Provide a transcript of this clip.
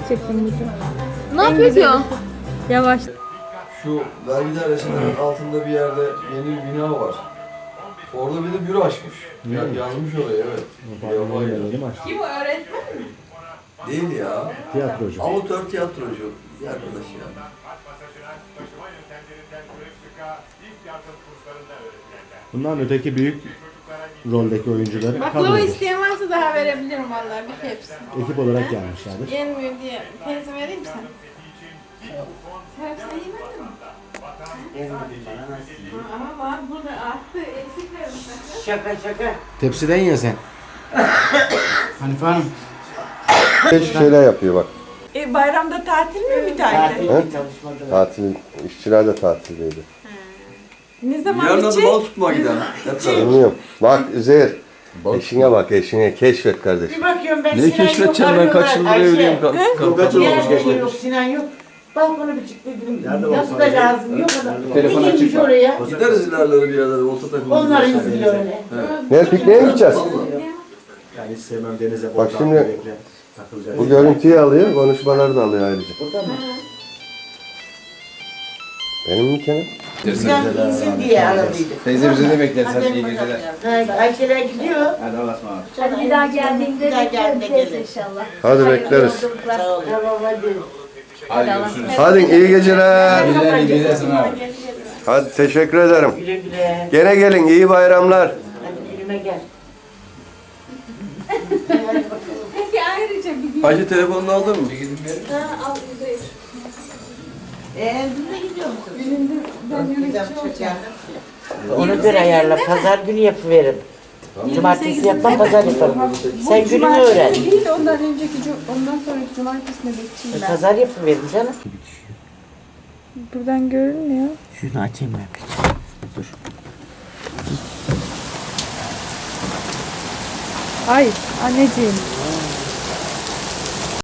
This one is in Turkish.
çekeyim bütün. Ne yapıyor ki o? Yavaş. Şu vergi dairesinin altında bir yerde yeni bir bina var. Orada bir de büro açmış. Yazmış oraya, evet. Kim o, öğretmen mi? Değil ya. Tiyatrocu. Amatör tiyatrocu. Bir arkadaş ya. Bundan öteki büyük roldeki oyuncuları Baklava kadrodur. isteyen varsa daha verebilirim vallahi bir hepsini. Ekip olarak gelmişlerdir. Yenmiyor diye. Teyze vereyim mi sen? Sen hepsini yemedin mi? Ama var burada arttı. Eksik vermişler. Şaka şaka. Tepsiden ye sen. Hanife Hanım. Şeyler yapıyor bak. Bayramda tatil mi bir tane? Tatil çalışmadı. Tatil, işçiler de tatildeydi. Ne zaman Yarın adı bitecek? bal tutmaya gidelim. Hep beraber. Bilmiyorum. Bak Üzeyir. Eşine bak, eşine keşfet kardeşim. Bir bakıyorum ben Neyi Sinan keşfedeceğim yok, ben kaç arıyorlar. yıldır Ayşe. evliyim. Kaç yıl olmuş Diğer geçmedi. yok, Sinan yok. Balkonu bir çıktı dedim. Nerede Nasıl balkon? da lazım yok adam. Telefon Bir açık girmiş bak. oraya. Gideriz ilerlere bir yerlere, olta takımı. Onlar izliyor öyle. Ne pikniğe mi gideceğiz? Yani hiç sevmem denize Bak şimdi takılacak. bu görüntüyü alıyor, konuşmaları da alıyor ayrıca. Burada mı? Benim mi Kenan? Bizden insin diye aradıydık. Teyze bizi de bekler. Sen Hadi iyi bakalım. geceler. Ha, Ayşeler gidiyor. Hadi Allah'a ısmarladık. Hadi bir daha geldiğinde Bir daha geldiğinde bekleriz gelin. inşallah. Hadi bekleriz. Sağ ol. Tamam hadi. Hadi görüşürüz. Hadi iyi geceler. Güzel iyi geceler sana abi. Hadi teşekkür ederim. Güle güle. Gene gelin, iyi bayramlar. Hadi filme gel. Peki ayrıca bir gün. Ayşe telefonunu aldın mı? Al Üzeyir. Biz de gidiyor musunuz? Ben yönetici olacağım. Onu göre ayarla. Pazar günü yapıverin. Cumartesi yapmam, pazar yaparım. Sen gününü öğren. Değil de ondan ondan sonraki cumartesine geçeyim ben. Pazar yapıverin canım. Buradan görünmüyor. Şunu açayım ben. Dur. Ay anneciğim.